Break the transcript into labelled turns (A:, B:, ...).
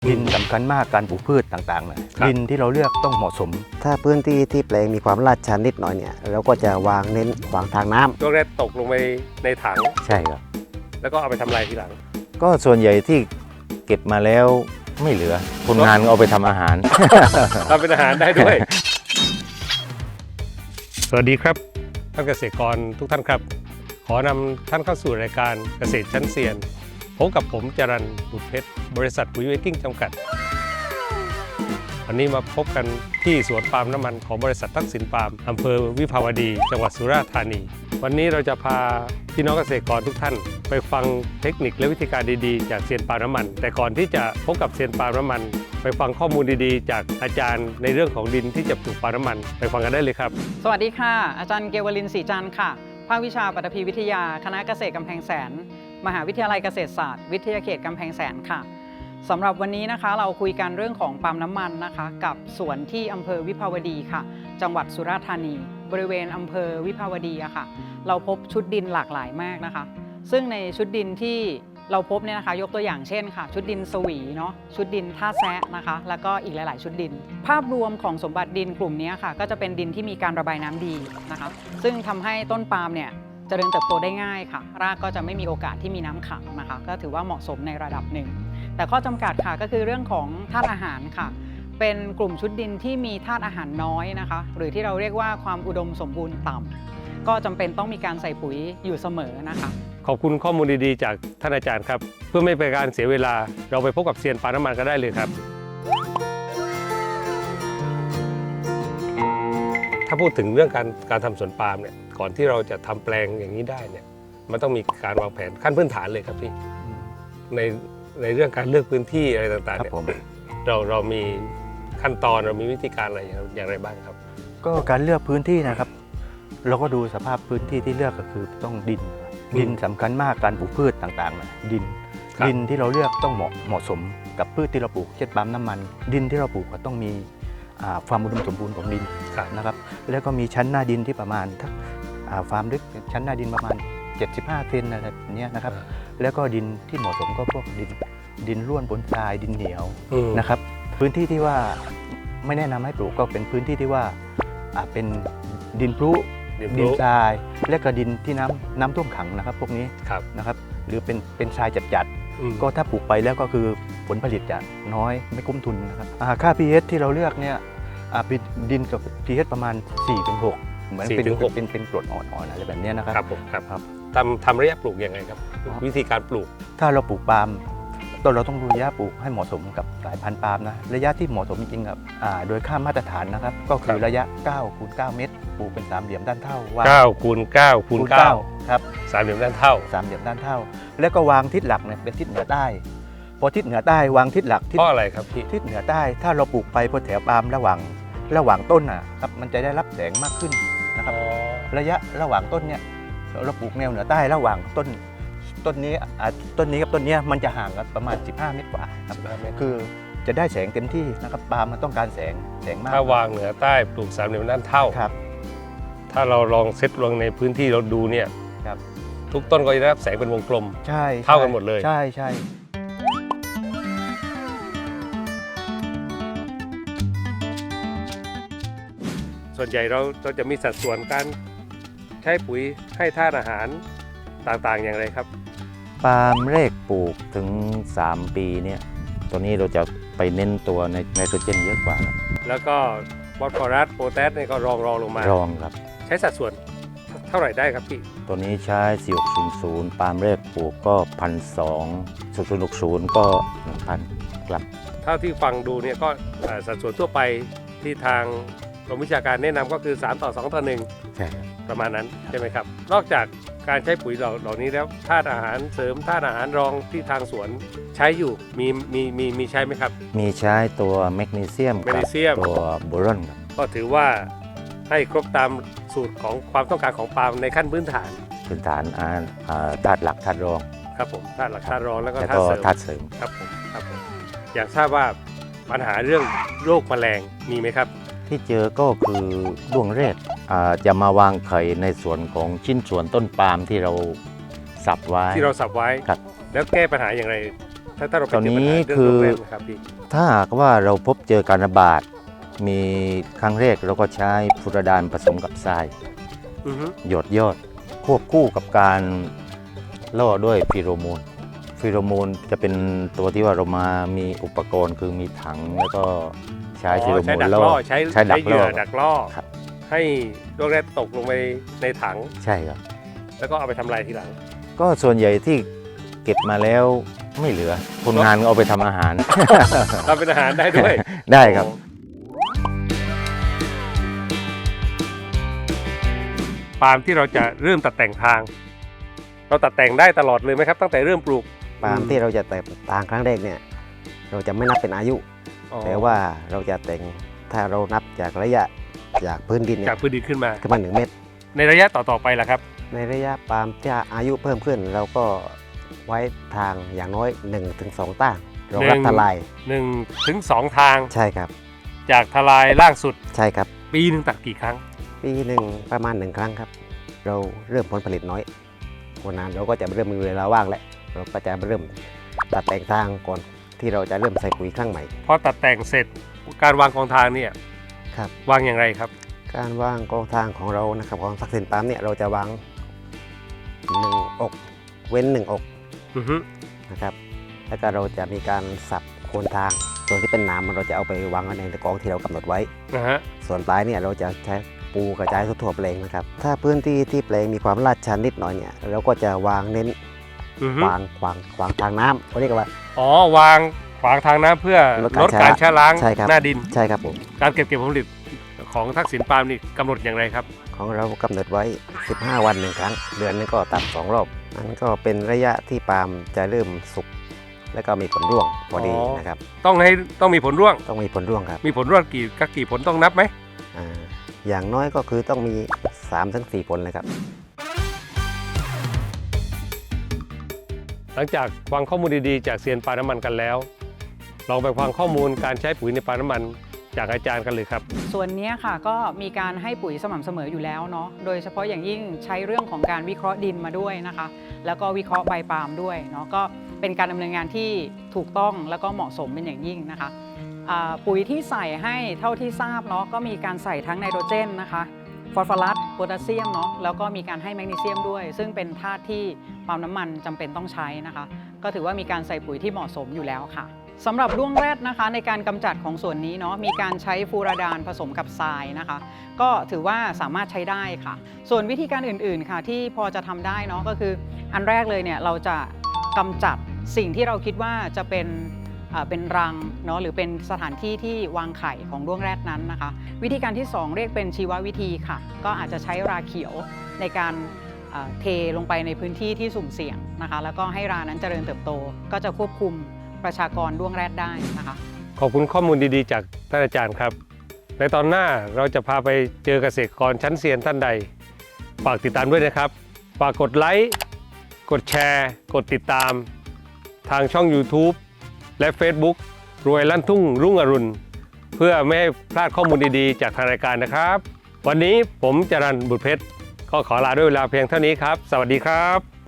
A: ดินสำคัญมากการปลูกพืชต่างๆนะดินที่เราเลือกต้องเหมาะสม
B: ถ้าพื้นที่ที่แปลงมีความลาดชันนิดหน่อยเนี่ยเราก็จะวางเน้นขวางทางน้ำ
C: ช่วงแรกตกลงไปในถัง
D: ใช่ครับ
C: แล้วก็เอาไปทำลายทีหลัง
D: ก็ส่วนใหญ่ที่เก็บมาแล้วไม่เหลือคนงานเอาไปทำอาหาร
C: ทำเป็นอาหารได้ด้วย สวัสดีครับท่านเกษตรกรทุกท่านครับ ขอนำท่านเข้าสู่รายการเกษตรชั้นเซียนพบกับผมจรัญ บุตรเพชรบริษัทปุ๋ยเวกิ้งจำกัด วันนี้มาพบกันที่สวนปาล์มน้ำมันของบริษัททักษิณปาล์มอำเภอวิภาวดีจังหวัดสุราษฎร์ธานี วันนี้เราจะพาพี่น้องเกษตรกรทุกท่านไปฟังเทคนิคและวิธีการดีๆจากเซียนปาล์มน้ำมันแต่ก่อนที่จะพบกับเซียนปาล์มน้ำมันไปฟังข้อมูลดีๆจากอาจารย์ในเรื่องของดินที่จะปลูกปาล์มน้ำมันไปฟังกันได้เลยครับ
E: สวัสดีค่ะอาจารย์เกวลินศรีจันทร์ค่ะภาควิชาปฐพีวิทยาคณะเกษตรกำแพงแสนมหาวิทยาลัยเกษตรศาสตร์วิทยาเขตกำแพงแสนค่ะสำหรับวันนี้นะคะเราคุยกันเรื่องของปาล์มน้ำมันนะคะกับสวนที่อำเภอวิภาวดีค่ะจังหวัดสุราษฎร์ธานีบริเวณอำเภอวิภาวดีอะค่ะเราพบชุดดินหลากหลายมากนะคะซึ่งในชุดดินที่เราพบเนี่ยนะคะยกตัวอย่างเช่นค่ะชุดดินสวีเนาะชุดดินท่าแซะนะคะแล้วก็อีกหลายๆชุดดิน ภาพรวมของสมบัติดินกลุ่มนี้ค่ะก็จะเป็นดินที่มีการระบายน้ำดีนะคะซึ่งทำให้ต้นปาล์มเนี่ยเจริญเติบโตได้ง่ายค่ะรากก็จะไม่มีโอกาสที่มีน้ำขังนะคะก็ถือว่าเหมาะสมในระดับหนึ่งแต่ข้อจำกัดค่ะก็คือเรื่องของธาตุอาหารค่ะเป็นกลุ่มชุดดินที่มีธาตุอาหารน้อยนะคะหรือที่เราเรียกว่าความอุดมสมบูรณ์ต่ำก็จำเป็นต้องมีการใส่ปุ๋ยอยู่เสมอนะคะ
C: ขอบคุณข้อมูลดีๆจากท่านอาจารย์ครับเพื่อไม่เป็นการเสียเวลาเราไปพบกับเซียนปาล์มน้ำมันกันได้เลยครับถ้าพูดถึงเรื่องการทำสวนปาล์มเนี่ยก่อนที่เราจะทำแปลงอย่างนี้ได้เนี่ยมันต้องมีการวางแผนขั้นพื้นฐานเลยครับพี่ในเรื่องการเลือกพื้นที่อะไรต่างๆเนี่ยเรามีขั้นตอนเรามีวิธีการอะไรอย่างไรบ้างครับ
A: ก็การเลือกพื้นที่นะครับเราก็ดูสภาพพื้นที่ที่เลือกก็คือต้องดินสำคัญมากการปลูกพืชต่างๆนะดินที่เราเลือกต้องเหมาะสมกับพืชที่เราปลูกเช่นปาล์มน้ำมันดินที่เราปลูกก็ต้องมีความอุดมสมบูรณ์ของดินนะครับแล้วก็มีชั้นหน้าดินที่ประมาณความลึกชั้นหน้าดินประมาณ75 เซนอะไรแบบนี้นะครับแล้วก็ดินที่เหมาะสมก็พวกดินร่วนบนทรายดินเหนียวนะครับพื้นที่ที่ว่าไม่แนะนำให้ปลูกก็เป็นพื้นที่ที่ว่าเป็นดินพลุดินทรายและก็ดินที่น้ำท่วมขังนะครับพวกนี้นะครับหรือเป็นทรายจัดๆก็ถ้าปลูกไปแล้วก็คือผลผลิตจะน้อยไม่คุ้มทุนนะครับค่า pH ที่เราเลือกเนี่ยดินกับ pH ประมาณ 4-6 เหมือนเป็นกรดอ่อนๆอะไรแบบนี้นะครับ
C: ผมครับทำระยะปลูกยังไงครับวิธีการปลูก
A: ถ้าเราปลูกปาล์มเราต้องดูระยะปลูกให้เหมาะสมกับสายพันธุ์ปาล์มนะระยะที่เหมาะสมจริงๆครับโดยค่ามาตรฐานนะครับก็คือระยะ9 คูณ 9 เมตรปลูกเป็นสามเหลี่ยมด้านเท่า
C: 9 คูณ 9 คูณ 9
A: ครับ
C: สามเหลี่ยมด้านเท่า
A: สามเหลี่ยมด้านเท่าแล้วก็วางทิศหลักเนี่ยเป็นทิศเหนือใต้พอทิศเหนือใต้วางทิศหลัก
C: เพราะอะไรครับพี่
A: ทิศเหนือใต้ถ้าเราปลูกไปบนแถวปาล์มระหว่างต้นครับมันจะได้รับแสงมากขึ้นนะครับระยะระหว่างต้นเนี่ยเราปลูกแนวเหนือใต้ระหว่างต้นนี้กับต้นนี้มันจะห่างกันประมาณ15 เมตรกว่าครับคือจะได้แสงเต็มที่นะครับปาล์มมันต้องการแสงมาก
C: ถ้าวางเหนือใต้ปลูกสามเหลี่ยมด้านเท่า
A: ครับ
C: ถ้าเราลองเซตลงในพื้นที่เราดูเนี่ย
A: ครับ
C: ทุกต้นก็จะได้รับแสงเป็นวงกลม
A: ใช่
C: เท่ากันหมดเลย
A: ใช่
C: ส่วนใหญ่เราจะมีสัดส่วนการใช้ปุ๋ยให้ธาตุอาหารต่างๆอย่างไรครับ
D: ปาล์มแรกปลูกถึง3 ปีเนี่ยตัวนี้เราจะไปเน้นตัวในไนโตรเจนเยอะกว่าครับ
C: แล้วก็ฟอสฟอรัสโพแทสเนี่ยก็รองลงมาร
D: องครับ
C: ใช้สัดส่วนเท่าไหร่ได้ครับพี่
D: ตัวนี้ใช้4600ปาล์มแรกปลูกก็1,200 0060ก็1,000ครับ
C: เท่าที่ฟังดูเนี่ยก็สัดส่วนทั่วไปที่ทางกรมวิชาการแนะนำก็คือ3:2:1
D: ใช่ครับ
C: ประมาณนั้นใช่ไหมครับนอกจากการใช้ปุ๋ยเหล่านี้แล้วธาตุอาหารเสริมธาตุอาหารรองที่ทางสวนใช้อยู่มีใช้ไหมครับ
D: มีใช้ตัวแมกนีเซียมกับตัวโบรอนครับ
C: ก็ถือว่าให้ครบตามสูตรของความต้องการของปาล์มในขั้นพื้นฐาน
D: ธาตุหลักธาตุรอง
C: ครับผมธาตุหลักธาตุรองแล้วก็
D: ธาตุเสริม
C: ครับผมอยากทราบว่าปัญหาเรื่องโรคแมลงมีไหมครับ
D: ที่เจอก็คือด้วงเรศจะมาวางไข่ในส่วนของชิ้นส่วนต้นปาล์มที่เราสับไว้
C: ครับแล้วแก้ปัญหาอย่างไรถ้าเราไป
D: ตอน
C: เจอปัญ
D: นี้
C: หาเรื่อง
D: คือ
C: โรงแรมนะครับพี่
D: ถ้าหากว่าเราพบเจอการระบาดมีครั้งแรกเราก็ใช้ฟูรดานผสมกับทราย
C: อือฮึ
D: หยดยอดควบคู่กับการล่อด้วยฟีโรโมนฟีโรโมนจะเป็นตัวที่ว่าเรามามีอุปกรณ์คือมีถังแล้วก็ใช้ฟีโรโม
C: ใช้
D: น
C: ดัก
D: ล่
C: ล่
D: อ
C: อใช้
D: ดัก
C: เห
D: ล่
C: ยื่
D: อ
C: อดักล่อ
D: ครับ
C: ให้โรคแรกตกลงไปในถัง
D: ใช่ครับ
C: แล้วก็เอาไปทำลายทีหลัง
D: ก็ส่วนใหญ่ที่เก็บมาแล้วไม่เหลือคนงานก็เอาไปทำอาหาร
C: ทำเป็นอาหารได้ด้วย
D: ได้ครับ
C: ปาล์มที่เราจะเริ่มตัดแต่งทาง เราตัดแต่งได้ตลอดเลยไหมครับ ตั้งแต่เริ่มปลูก
B: ปาล์มที่เราจะแต่งทางครั้งแรกเนี่ยเราจะไม่นับเป็นอายุ
C: อ๋อ
B: แต่ว่าเราจะแต่งถ้าเรานับจากระยะจากพื้นดินเนี่
C: จาก
B: ย
C: พื้นดินขึ้นมา
B: ขึ้นมา1 เมตร
C: ในระยะต่อๆไปล่ะครับ
B: ในระยะปาล์มที่อายุเพิ่มขึ้น เราก็ไว้ทางอย่างน้อย 1-2 ต้างรองรับทลาย
C: 1 ถึง 2 ทาง
B: ใช่ครับ
C: จากทลายล่างสุด
B: ใช่ครับ
C: ปีหนึ่งตัดกี่ครั้ง
B: ปีหนึ่งประมาณ1 ครั้งครับ เราเริ่มผลผลิตน้อยวันนั้นเราก็จะเริ่มมีเวลาว่างแล้วเราก็จะเริ่มตัดแต่งทางก่อนที่เราจะเริ่มใส่ปุ๋ยครั้งใหม่
C: พอตัดแต่งเสร็จการวางกองทางเนี่ย
B: ครับ
C: วางอย่างไรครับ
B: การวางกองทางของเรานะครับของทักษิณปาล์มเนี่ยเราจะวาง1 อกเว้น1 อก
C: อือฮึ
B: นะครับแล้วก็เราจะมีการสับโคนทางส่วนที่เป็นหนามเราจะเอาไปวางไว้ในกองที่เรากำหนดไว้
C: นะฮะ
B: ส่วนปลายเนี่ยเราจะใช้ปูกระจายทั่วๆแปลงนะครับถ้าพื้นที่ที่แปลงมีความลาดชันนิดหน่อยเนี่ยเราก็จะวางเน้น
C: อือฮึ
B: ขวางทางน้ำเขาเรียกว่า
C: อ๋อวางขวางทางน้ำเพื่อ
B: ลดการ
C: ลดการชะล้าง
B: ใช่ครับ
C: หน้าดิน
B: ใช่ครับผม
C: การเก็บผลผลิตของทักษิณปาล์มนี่กำหนดอย่างไรครับ
B: ของเรากำหนดไว้ 15 วัน1 ครั้ง เดือนนึงก็ตัด2 รอบนั่นก็เป็นระยะที่ปาล์มจะเริ่มสุกแล้วก็มีผลร่วงพอดี
C: อ๋อ
B: นะครับ
C: ต้องมีผลร่วง
B: ต้องมีผลร่วงครับ
C: มีผลร่วงกี่ผลต้องนับไหม
B: อ่าอย่างน้อยก็คือต้องมี 3-4 ผลเลยครับ
C: หลังจากฟังข้อมูลดีๆจากเซียนปาล์มน้ำมันกันแล้วลองไปฟังข้อมูลการใช้ปุ๋ยในปาล์มน้ำมันจากอาจารย์กันเลยครับ
E: ส่วนนี้ค่ะก็มีการให้ปุ๋ยสม่ำเสมออยู่แล้วเนาะโดยเฉพาะอย่างยิ่งใช้เรื่องของการวิเคราะห์ดินมาด้วยนะคะ แล้วก็วิเคราะห์ใบปาล์มด้วยเนาะก็เป็นการดำเนินงานที่ถูกต้องแล้วก็เหมาะสมเป็นอย่างยิ่งนะคะปุ๋ยที่ใส่ให้เท่าที่ทราบเนาะก็มีการใส่ทั้งไนโตรเจนนะคะฟอสฟอรัสโพแทสเซียมเนาะแล้วก็มีการให้แมกนีเซียมด้วย ซึ่งเป็นธาตุที่ปาล์มน้ำมันจำเป็นต้องใช้นะคะ ก็ถือว่ามีการใส่ปุ๋ยที่เหมาะสมอยู่แล้วค่ะสำหรับด้วงแรดนะคะในการกำจัดของส่วนนี้เนาะมีการใช้ฟูราดานผสมกับทรายนะคะ ก็ถือว่าสามารถใช้ได้ค่ะ ส่วนวิธีการอื่นๆค่ะที่พอจะทำได้เนาะก็คืออันแรกเลยเนี่ยเราจะกำจัดสิ่งที่เราคิดว่าจะเป็นรังเนาะหรือเป็นสถานที่ที่วางไข่ของด้วงแรดนั้นนะคะ วิธีการที่ 2 เรียกเป็นชีววิธีค่ะ ก็อาจจะใช้ราเขียวในการเทลงไปในพื้นที่ที่สุ่มเสี่ยงนะคะ แล้วก็ให้รานั้นเจริญเติบโต ก็จะควบคุมประชากรด้วงแรดได้นะคะ
C: ขอบคุณข้อมูลดีๆจากท่านอาจารย์ครับ ในตอนหน้าเราจะพาไปเจอเกษตรกรชั้นเซียนท่านใด ฝากติดตามด้วยนะครับ ฝากกดไลค์ กดแชร์ กดติดตาม ทางช่อง YouTube และ Facebook รวยลั่นทุ่งรุ่งอรุณ เพื่อไม่ให้พลาดข้อมูลดีๆ จากทางรายการนะครับ วันนี้ผมจรัญบุตรเพชรก็ขอลาด้วยเวลาเพียงเท่านี้ครับ สวัสดีครับ